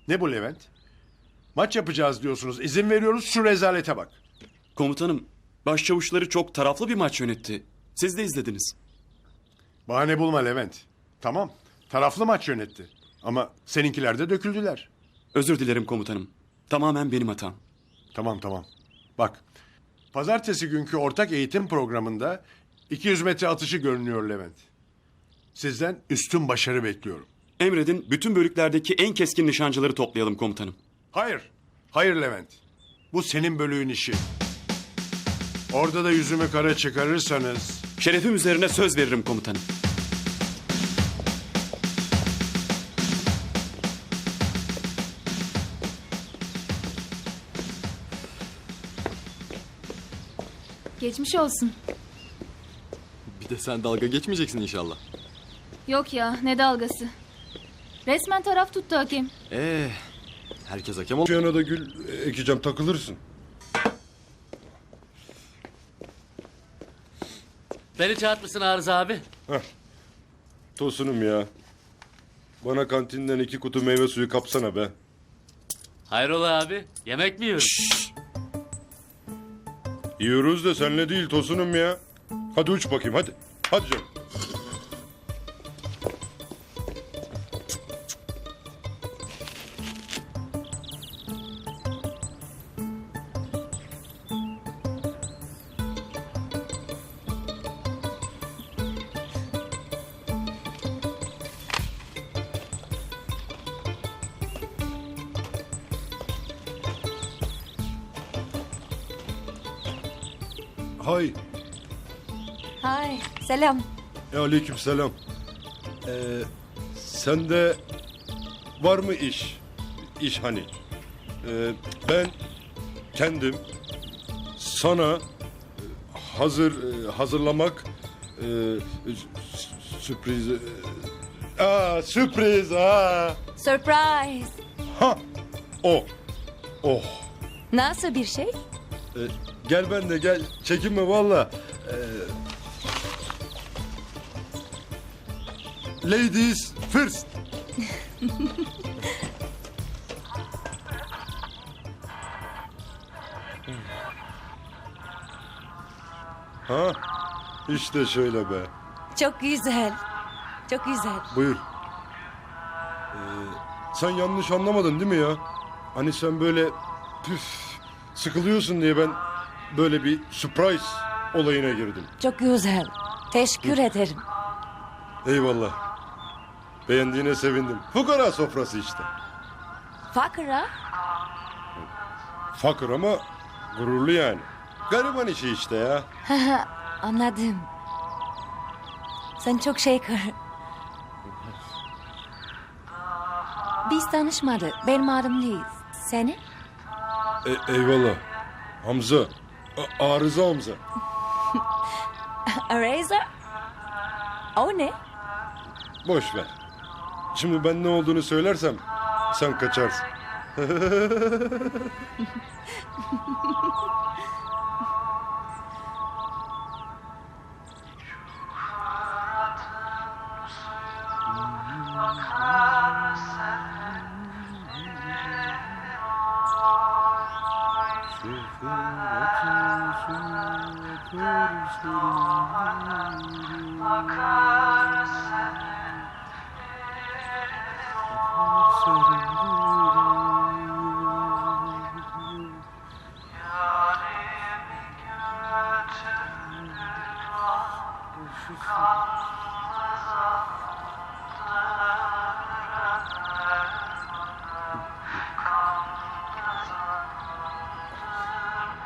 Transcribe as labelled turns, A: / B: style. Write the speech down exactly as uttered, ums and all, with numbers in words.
A: Ne bu Levent? Maç yapacağız diyorsunuz. İzin veriyoruz, şu rezalete bak.
B: Komutanım, başçavuşları çok taraflı bir maç yönetti. Siz de izlediniz.
A: Bahane bulma Levent. Tamam, taraflı maç yönetti. Ama seninkiler de döküldüler.
B: Özür dilerim komutanım. Tamamen benim hatam.
A: Tamam tamam. Bak, pazartesi günkü ortak eğitim programında iki yüz metre atışı görünüyor Levent. Sizden üstün başarı bekliyorum.
B: Emredin, bütün bölüklerdeki en keskin nişancıları toplayalım komutanım.
A: Hayır, hayır Levent. Bu senin bölüğün işi. Orada da yüzümü kara çıkarırsanız...
B: Şerefim üzerine söz veririm komutanım.
C: Geçmiş olsun.
D: Bir de sen dalga geçmeyeceksin inşallah.
C: Yok ya, ne dalgası. Resmen taraf tuttu hakem.
D: Ee, herkes hakem ol.
E: Şu yana da gül ekeceğim, takılırsın.
F: Beni çağırtmışsın Arıza abi.
E: Tosunum ya. Bana kantinden iki kutu meyve suyu kapsana be.
F: Hayrola abi? Yemek mi yiyoruz?
E: Yiyoruz da senle değil Tosunum ya. Hadi uç bakayım hadi. Hadi canım. Hay.
G: Hay, selam.
E: E, aleyküm selam. Ee, sende var mı iş? İş hani. Ee, ben kendim sana e, hazır e, hazırlamak e, sü- sürpriz e, aa, sürpriz aa.
G: Surprise.
E: Ha o oh.
G: Nasıl bir şey?
E: Ee, gel ben de gel çekinme valla. Ee, ladies first. Ha işte şöyle be.
G: Çok güzel. Çok güzel.
E: Buyur. Ee, sen yanlış anlamadın değil mi ya? Hani sen böyle püf sıkılıyorsun diye ben böyle bir surprise olayına girdim.
G: Çok güzel. Teşekkür ederim.
E: Eyvallah. Beğendiğine sevindim. Fukara sofrası işte.
G: Fakra?
E: Fakir ama gururlu yani. Gariban işi işte ya.
G: Anladım. Sen çok şeker. Biz tanışmadık. Benim adım Liz. Senin?
E: E, eyvallah. Hamza. A- arıza Hamza.
G: Eraser? O ne?
E: Boş ver. Şimdi ben ne olduğunu söylersem sen kaçarsın.